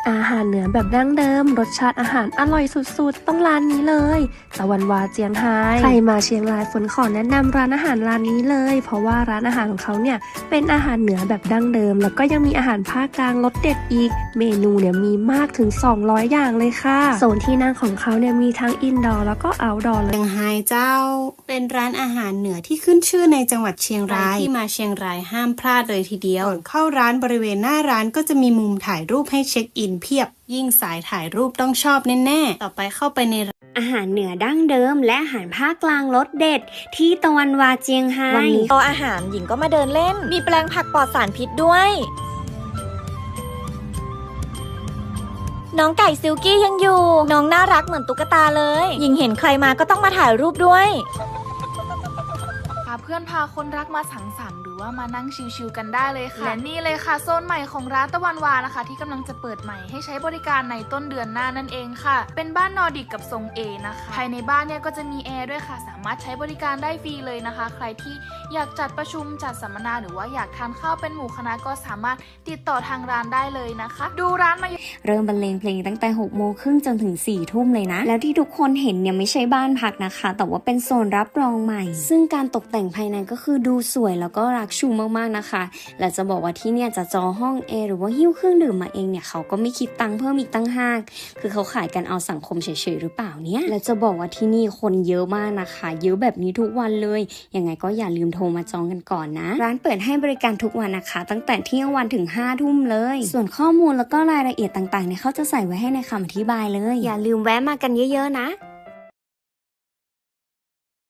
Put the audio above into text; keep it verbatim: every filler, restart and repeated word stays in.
อาหารเหนือแบบดั้งเดิมรสชาติอาหารอร่อยสุดๆต้องร้านนี้เลยตะวันวาเจียงไฮ้ใครมาเชียงรายฝนขอแนะนำร้านอาหารร้านนี้เลยเพราะว่าร้านอาหารของเขาเนี่ยเป็นอาหารเหนือแบบดั้งเดิมแล้วก็ยังมีอาหารภาคกลางรสเด็ดอีกเมนูเนี่ยมีมากถึงสองร้อยอย่างเลยค่ะโซนที่นั่งของเขาเนี่ยมีทั้งอินดอร์แล้วก็เอาท์ดอร์เลยเชียงไฮ้เจ้าเป็นร้านอาหารเหนือที่ขึ้นชื่อในจังหวัดเชียงรายที่มาเชียงรายห้ามพลาดเลยทีเดียวก่อนเข้าร้านบริเวณหน้าร้านก็จะมีมุมถ่ายรูปให้เช็คอินเพียบยิ่งสายถ่ายรูปต้องชอบแน่ๆต่อไปเข้าไปในอาหารเหนือดั้งเดิมและอาหารภาคกลางรสเด็ดที่ตะวันวาเจียงไฮ้วันนี้โต๊ะอาหารหญิงก็มาเดินเล่นมีแปลงผักปลอดสารพิษด้วยน้องไก่ซิลกี้ยังอยู่น้องน่ารักเหมือนตุ๊กตาเลยหญิงเห็นใครมาก็ต้องมาถ่ายรูปด้วยพาเพื่อนพาคนรักมาสังสรรค์หรือว่ามานั่งชิลๆกันได้เลยค่ะและนี่เลยค่ะโซนใหม่ของร้านตะวันวานะคะที่กำลังจะเปิดใหม่ให้ใช้บริการในต้นเดือนหน้านั่นเองค่ะเป็นบ้านนอร์ดิกกับทรงเอนะคะภายในบ้านเนี่ยก็จะมีแอร์ด้วยค่ะสามารถใช้บริการได้ฟรีเลยนะคะใครที่อยากจัดประชุมจัดสัมมนาหรือว่าอยากทานข้าวเป็นหมู่คณะก็สามารถติดต่อทางร้านได้เลยนะคะดูร้านมาเริ่มบรรเลงเพลงตั้งแต่หกโมงครึ่งจนถึงสี่ทุ่มเลยนะแล้วที่ทุกคนเห็นเนี่ยไม่ใช่บ้านพักนะคะแต่ว่าเป็นโซนรับรองใหม่ซึ่งการตกแต่งภายในก็คือดูสวยแล้วก็รักชูมากๆนะคะและจะบอกว่าที่เนี่ยจะจองห้องแอร์หรือว่าหิ้วเครื่องดื่มมาเองเนี่ยเขาก็ไม่คิดตังค์เพิ่มอีกตั้งห้างคือเขาขายกันเอาสังคมเฉยๆหรือเปล่าเนี่ยแล้วจะบอกว่าที่นี่คนเยอะมากนะคะเยอะแบบนี้ทุกวันเลยยังไงก็อย่าลืมโทรมาจองกันก่อนนะร้านเปิดให้บริการทุกวันนะคะตั้งแต่เที่ยงวันถึงห้าทุ่มเลยส่วนข้อมูลแล้วก็รายละเอียดต่างๆเนี่ยเขาจะใส่ไว้ให้ในคำอธิบายเลยอย่าลืมแวะมากันเยอะๆนะ